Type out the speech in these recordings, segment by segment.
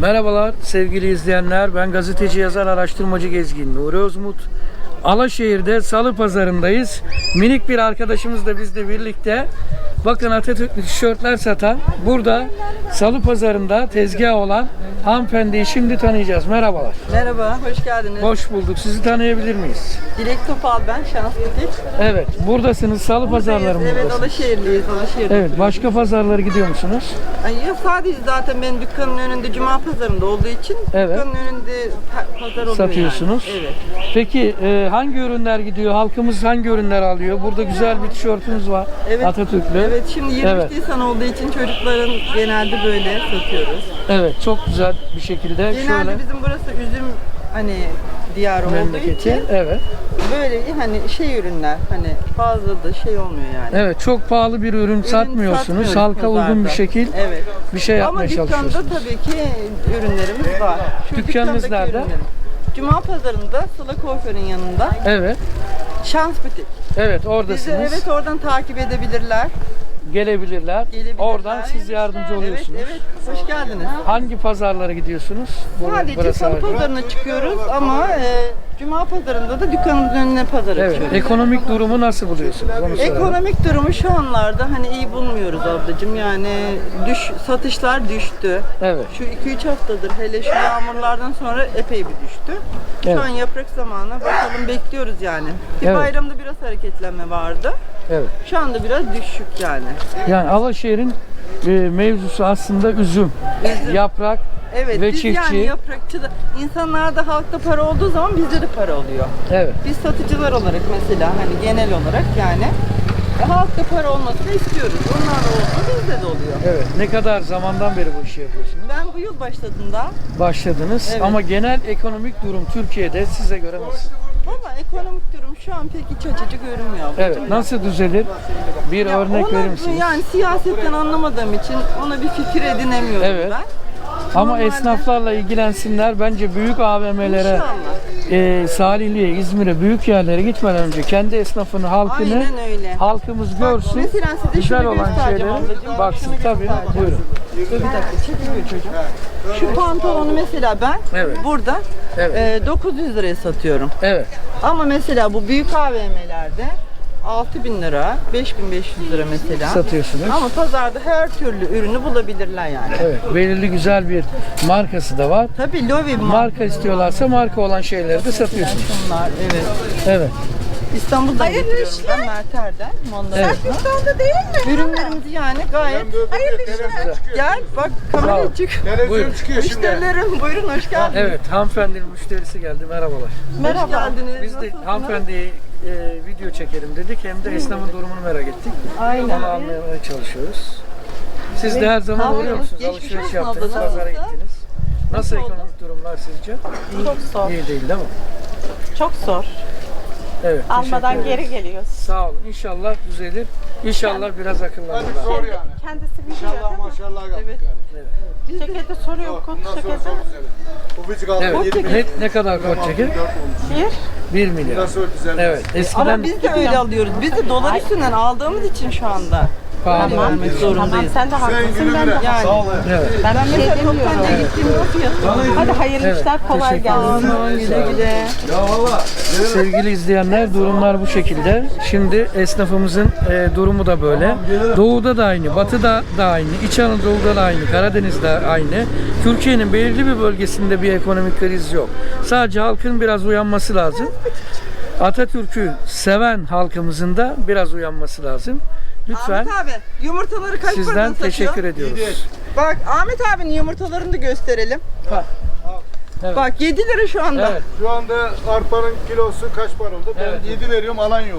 Merhabalar sevgili izleyenler. Ben gazeteci, yazar, araştırmacı Gezgin Nuri Özmut. Alaşehir'de Salı Pazarı'ndayız. Minik bir arkadaşımız da bizle birlikte. Bakın Atatürk'lü tişörtler satan, burada Salı Pazarı'nda tezgah olan hanımefendiyi şimdi tanıyacağız. Merhabalar. Merhaba, hoş geldiniz. Hoş bulduk. Sizi tanıyabilir miyiz? Dilek Topal ben, Şans Butik. Evet, buradasınız. Salı pazarları mı Evet, buradasınız? Alaşehirliyiz, Alaşehir'de. Evet, başka pazarlara gidiyor musunuz? Ay, ya sadece zaten benim dükkanın önünde Cuma pazarında olduğu için Evet. dükkanın önünde pazar oluyor Satıyorsunuz. yani. Evet. Peki hangi ürünler gidiyor? Halkımız hangi ürünler alıyor? Burada güzel bir tişörtümüz var. Evet. Atatürk'lü. Evet, şimdi 23 Evet. Nisan olduğu için çocukların genelde böyle satıyoruz. Evet, çok güzel bir şekilde Genelde şöyle bizim burası üzüm hani diyarı olduğu memleketi. için Evet. böyle hani şey ürünler hani fazla da şey olmuyor yani. Evet, çok pahalı bir ürün satmıyorsunuz. satmıyoruz Halka uygun pazarda. bir şekil Evet. bir şey Ama yapmaya dükkanda çalışıyorsunuz. tabii ki ürünlerimiz var. Şu Dükkanınız dükkandaki nerede? ürünlerim. Cuma pazarında Sıla Kuaför'ün yanında Evet. Şans Butik. Evet, Bizi oradasınız. evet oradan takip edebilirler. Gelebilirler. Gelebilirler. Oradan siz yardımcı oluyorsunuz. Evet, evet. Hoş geldiniz. Hangi pazarlara gidiyorsunuz? Sadece Burası Salı harici. pazarına çıkıyoruz ama Cuma pazarında da dükkanımızın önüne pazara Evet. çıkıyoruz. Ekonomik durumu nasıl buluyorsunuz? Onu soralım. Ekonomik durumu şu anlarda hani iyi bulmuyoruz ablacığım. Yani satışlar düştü. Evet. Şu 2-3 haftadır hele şu yağmurlardan sonra epey bir düştü. Evet. Şu an yaprak zamanı. Bakalım bekliyoruz yani. Bir Evet. bayramda biraz hareketlenme vardı. Evet. Şu anda biraz düşük yani. Yani Alaşehir'in mevzusu aslında üzüm, yaprak Evet ve biz çiftçi. yani yaprakçı da insanlarda halkta para olduğu zaman bizde de para oluyor. Evet. Biz satıcılar olarak mesela hani genel olarak yani halkta para olmasını istiyoruz. Onlar da oldu bizde de oluyor. Evet. Ne kadar zamandan beri bu işi yapıyorsunuz? Ben bu yıl başladığımda Başladınız Evet. ama genel ekonomik durum Türkiye'de size göre nasıl? valla ekonomik durum şu an pek iç açıcı görünmüyor. Evet. Nasıl düzelir? Bir Ya örnek ona verir misiniz? yani siyasetten anlamadığım için ona bir fikir edinemiyorum Evet. ben. Ama Normalde- esnaflarla ilgilensinler. Bence büyük AVM'lere, İnşallah. Salihli'ye, İzmir'e, büyük yerlere gitmeden önce kendi esnafını, halkını, Aynen öyle. halkımız görsün. Mesela size Güzel şunu olan göstereceğim şeyleri ablacığım. baksın. Şunu Tabii. göstereceğim. Buyurun. Dur bir dakika çekiliyor çocuğum. Şu pantolonu mesela ben Evet. burada Evet. 900 liraya satıyorum. Evet. Ama mesela bu büyük AVM'lerde 6.000 lira, 5.500 lira mesela. Satıyorsunuz. Ama pazarda her türlü ürünü bulabilirler yani. Evet. Belirli güzel bir markası da var. Tabii Lovi Marka istiyorlarsa marka olan şeyleri de satıyorsunuz. bunlar evet. Evet. İstanbul'dan getiriyorum ben Merter'den. Evet. İstanbul'da değil mi? Ürünlerimizi yani gayet gel bak Sağ ol. kameraya çık. Buyurun. Müşterilerim buyurun hoş geldiniz. Evet. Hanımefendinin müşterisi geldi. Merhabalar. Merhaba. Hoş geldiniz. Biz de Nasılsınız? hanımefendiyi video çekelim dedik. Hem de esnafın durumunu merak ettik. Aynen. Onu anlamaya çalışıyoruz. Siz de her zaman Tamam. uğruyor musunuz? Geçmiş Alışveriş olsun yaptınız, abla. pazara gittiniz. Nasıl oldu? ekonomik durumlar sizce? Çok zor. İyi değil mi? Çok zor. Evet. Almadan teşekkür geri ederiz. geliyoruz. Sağ olun. İnşallah düzelir. İnşallah biraz akıllanırlar. Zor yani. Kendisi biliyor değil mi? Maşallah yaptık Evet. yani. Ceketi soruyor, kot Bundan sonra ceketi. çok güzel. Bu bizi kaldı. Evet. Ne kadar kot çeker? Bir. 1 milyar. Bundan sonra düzeldi. Evet. Ama Eskiden biz de öyle alıyoruz. Biz de dolar üstünden aldığımız için şu anda pahalı. öyle vermek Tamam zorundayız. sen de haklısın, güle ben de güle. Yani. Sağ ol. Evet. Ben Ben bir şey mesela demiyorum. toptancıya gittiğimde o fiyatı. Hadi hayırlı Evet, işler, kolay teşekkür gelsin. Aman güle güle. Ya valla. Sevgili izleyenler, durumlar bu şekilde. Şimdi esnafımızın durumu da böyle. Doğuda da aynı, batıda da aynı, İç Anadolu'da da aynı, Karadeniz'de aynı. Türkiye'nin belirli bir bölgesinde bir ekonomik kriz yok. Sadece halkın biraz uyanması lazım. Atatürk'ü seven halkımızın da biraz uyanması lazım. Lütfen Ahmet abi yumurtaları kaç paradan sizden satıyor? teşekkür ediyoruz. Bak Ahmet abinin yumurtalarını da gösterelim. Evet. Bak 7 lira şu anda. Evet. Şu anda arpanın kilosu kaç para oldu? Ben Evet. 7 veriyorum, alan yok.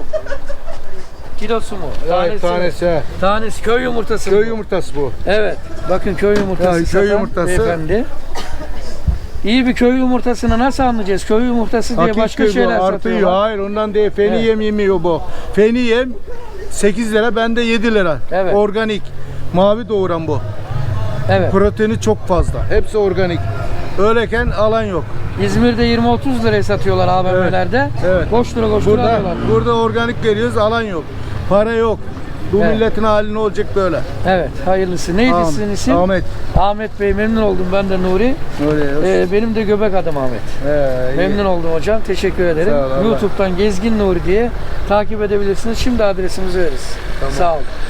Kilosu mu? Tanesi. mi? Tanesi. Tanesi. Köy yumurtası mı Köy bu? yumurtası bu. Evet. Bakın köy yumurtası Ya, köy satan yumurtası. beyefendi. İyi bir köy yumurtasını nasıl anlayacağız? Köy yumurtası diye başka Hakiki şeyler bu, artıyor. satıyorlar. Hayır, ondan değil. Feni Evet. yem yemiyor bu. Feni yem 8 lira, bende 7 lira. Evet. Organik. Mavi doğuran bu. Evet. Proteini çok fazla. Hepsi organik. Öyleken alan yok. İzmir'de 20-30 liraya satıyorlar AVM'lerde. Evet. Koştura Burada, alıyorlar. burada organik veriyoruz, alan yok. Para yok. Bu Evet. milletin hali ne olacak böyle? Evet, hayırlısı. Neydi Ahmet. sizin isim? Ahmet. Ahmet Bey, memnun oldum. Ben de Nuri. Öyle. Benim de göbek adım Ahmet. iyi. Memnun oldum hocam. Teşekkür ederim. Sağ ol, Allah. YouTube'dan Gezgin Nuri diye takip edebilirsiniz. Şimdi adresimizi veririz. Sağ olun.